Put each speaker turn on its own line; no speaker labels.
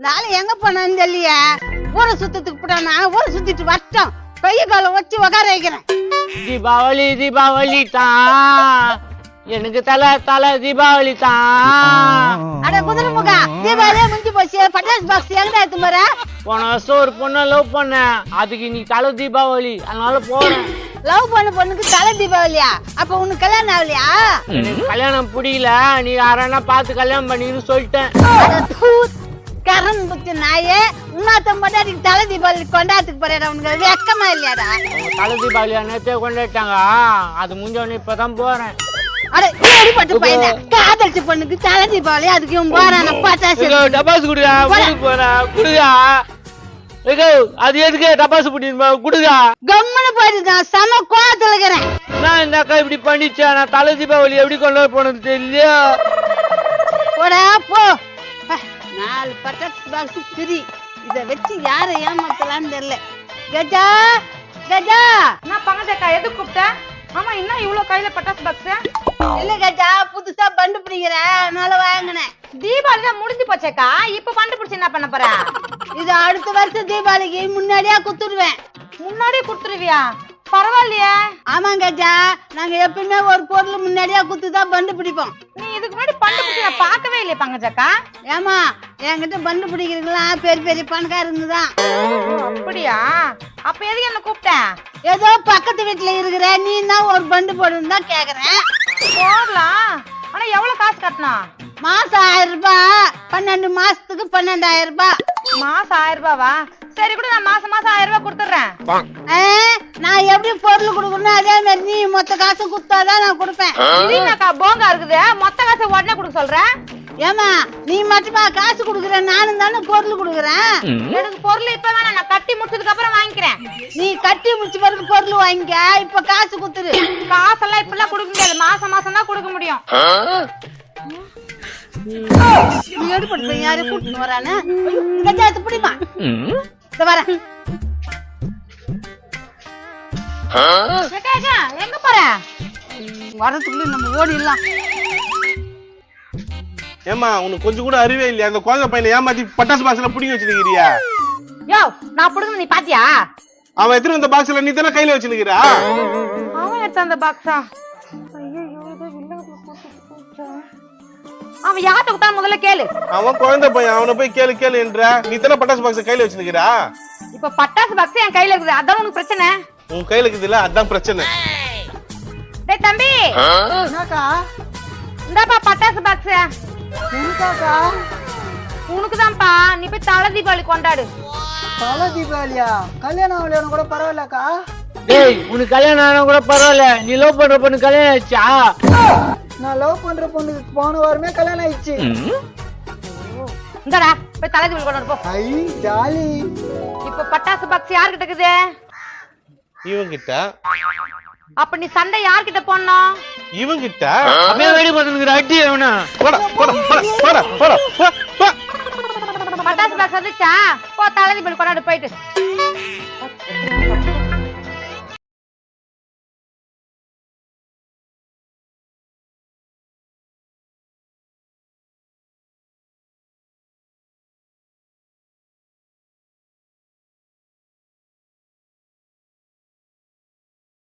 நாளை எங்க போனான்னு தெரியல. ஊரை சுத்தத்துக்கு போட்டானா ஊரை சுத்திட்டு வட்டம் கைய கால வச்சு உக்கார வைக்கிறேன்.
தீபாவளி தீபாவளி தான் எனக்கு தலை தீபாவளி தான்.
அட குதிரை முகா, தீபாவளியே முடிஞ்சு போச்சு. பட்டாசு பாக்ஸ் எங்கடா எடுத்து போற?
போன வருஷம் ஒரு பொண்ணை லவ் பண்ணேன், அதுக்கு இன்னைக்கு தலை தீபாவளி, அதனால போறேன்.
லவ் பண்ண பொண்ணுக்கு தலை தீபாவளியா? அப்ப உனக்கு கல்யாணம் ஆகலையா?
எனக்கு கல்யாணம் பிடிக்கல, நீ யாரானா பார்த்து கல்யாணம் பண்ணின்னு சொல்லிட்டேன்.
கரண் புத்தி நாயே, உன்னாத்த மட்டும் தலை தீபாவளி கொண்டாடத்துக்கு போறேடா. உனக்கு வெக்கமா இல்லையாடா?
தலை தீபாவளியா நேத்தே கொண்டாட்டாங்க, அது முடிஞ்சவொடனே இப்பதான் போறேன்.
அட ஏடிப்பட்ட பையனே, காதலிச்ச பொண்ணுக்கு தலை தீபாவளி, அதுக்கு இவன் போறான பட்டாசு.
டபாசு குடுடா, குடுடா. அது எதுக்கு டபாசு புடிமா குடுடா.
கம்முன்னு போயிட்டு நான் செம கோவத்துல இருக்கிறேன்.
நான் இந்த அக்கா இப்படி பண்ணிச்சா, நான் தலை தீபாவளி எப்படி கொண்டாட போனது தெரியலையா?
போடா போ. 4 பட்டாசு பாக்ஸ் ஃப்ரீ. இத வச்சு யாரை ஏமாத்தலான்னு தெரியல. கஜா கஜா,
நான் பங்கஜக்கா எதுக்கு கூப்பிட்ட? ஆமா, என்ன இவ்வளவு கையில பட்டாசு பாக்ஸ்?
இல்ல கஜா, புதுசா பண்டு பிடிக்கிறேன், அதனால வாங்கினேன்.
தீபாவளி தான் முடிஞ்சு போச்சேக்கா, இப்ப கண்டுபிடிச்சு என்ன பண்ண போற?
இது அடுத்த வருஷம் தீபாவளிக்கு முன்னாடியே குத்துடுவேன்.
முன்னாடியே குடுத்துருவியா? பரவாயில்லையே.
ஆமாங்க கஜா, நாங்க எப்பவுமே ஒரு பொருள் முன்னாடியே குத்துதான் பண்டு பிடிப்போம்.
நீ இதுக்கு முன்னாடி கண்டுபிடிச்சு நான் பார்க்கவே இல்லையே பங்கஜக்கா.
ஏமா, என்கிட்ட பண்டு பிடிக்கிறதுலாம் பெரிய பெரிய பணக்காரங்க தான்.
அப்படியா? அப்ப எதுக்கு என்ன கூப்பிட்ட?
ஏதோ பக்கத்து வீட்டுல இருக்கிற நீ தான் ஒரு பண்டு போடுன்னு தான் கேக்குறேன்.
போடலாம், ஆனா எவ்வளவு காசு கட்டணும்?
மாசம் 1000 ரூபாய், 12 மாசத்துக்கு 12,000 ரூபாய்.
மாசம் 1000 ரூபாவா? சரி கூட, நான் மாசம் 1000 ரூபாய் கொடுத்துறேன்.
நான் எப்படி பொருள் கொடுக்கணும் அதே மாதிரி நீ மொத்த காசு குடுத்தாதான் நான் கொடுப்பேன்.
இதுனாக்கா போங்கா இருக்குது, மொத்த காசை உடனே கொடுக்க சொல்றேன்.
ஏமா, நீ மட்டுமா காசு குடுக்குற? நானும் தானே பொருள் குடுக்குறேன்.
எனக்கு பொருள் இப்ப வேணாம், நான் கட்டி முடிச்சதுக்கு அப்புறம் வாங்கிக்கிறேன்.
நீ கட்டி முடிச்ச பிறகு பொருள் வாங்கிக்க, இப்ப காசு குடுத்துரு.
காசெல்லாம் இப்ப எல்லாம் கொடுக்க முடியாது, மாசம் மாசம் தான் கொடுக்க முடியும்.
நீ எடுப்பட்டு யாரும் கூட்டிட்டு வரானு கஜாத்து பிடிமா. இந்த வரேன்.
எங்க போற?
வரதுக்குள்ள நம்ம ஓடிடலாம்.
ஏமா, உனக்கு கொஞ்சம் கூட அறிவே இல்லையா? அந்த குழந்தை பையனை ஏமாத்தி பட்டாசு பாக்ஸ்ல புடிங்க வச்சிருக்கிறியா?
யோ, நான் புடுங்க நீ பாத்தியா?
அவன் எடுத்துட்டு வந்த பாக்ஸ்ல நீ தானே கையில வச்சிருக்கிறா?
அவன் எடுத்த அந்த பாக்ஸா? அவன் யார்கிட்ட கொடுத்தா முதல்ல கேளு.
அவன் குழந்தை பையன், அவனை போய் கேளு கேளு என்ற. நீ தானே பட்டாசு பாக்ஸ் கையில வச்சிருக்கிறா?
இப்ப பட்டாசு பாக்ஸ் என் கையில இருக்குது, அதான் உனக்கு பிரச்சனை.
உன் கையில இருக்குதுல்ல, அதான் பிரச்சனை.
டேய் தம்பி,
என்னக்கா?
இந்தாப்பா பட்டாசு பாக்ஸ்.
எனக்காக்கா?
உனக்குதான்ப்பா, நீ போய் தலை தீபாவளி கொண்டாடு.
தலை தீபாவளியா? கல்யாணம் ஆகலையானு கூட பரவாயில்லக்கா.
டேய், உனக்கு கல்யாணம் ஆனா கூட பரவாயில்ல, நீ லவ் பண்ற பொண்ணு கல்யாணம் ஆயிடுச்சா?
நான் லவ் பண்ற பொண்ணுக்கு போன வாரமே கல்யாணம் ஆயிடுச்சு.
இந்தாடா, போய் தலை தீபாவளி கொண்டாடு போ.
ஐ ஜாலி.
இப்ப பட்டாசு பாக்ஸ் யார்கிட்ட இருக்குது?
இவன் கிட்ட.
அப்ப நீ சண்டை யார்கிட்ட போடணும்?
இவன் கிட்ட.
அப்படியே வெடி பார்த்துக்கிற அடி அவனா.
போடா போடா போடா போடா போடா போ.
பட்டாசு பாக்ஸ் வந்துச்சா? போ தலை தீபாவளி கொண்டாடு போயிட்டு.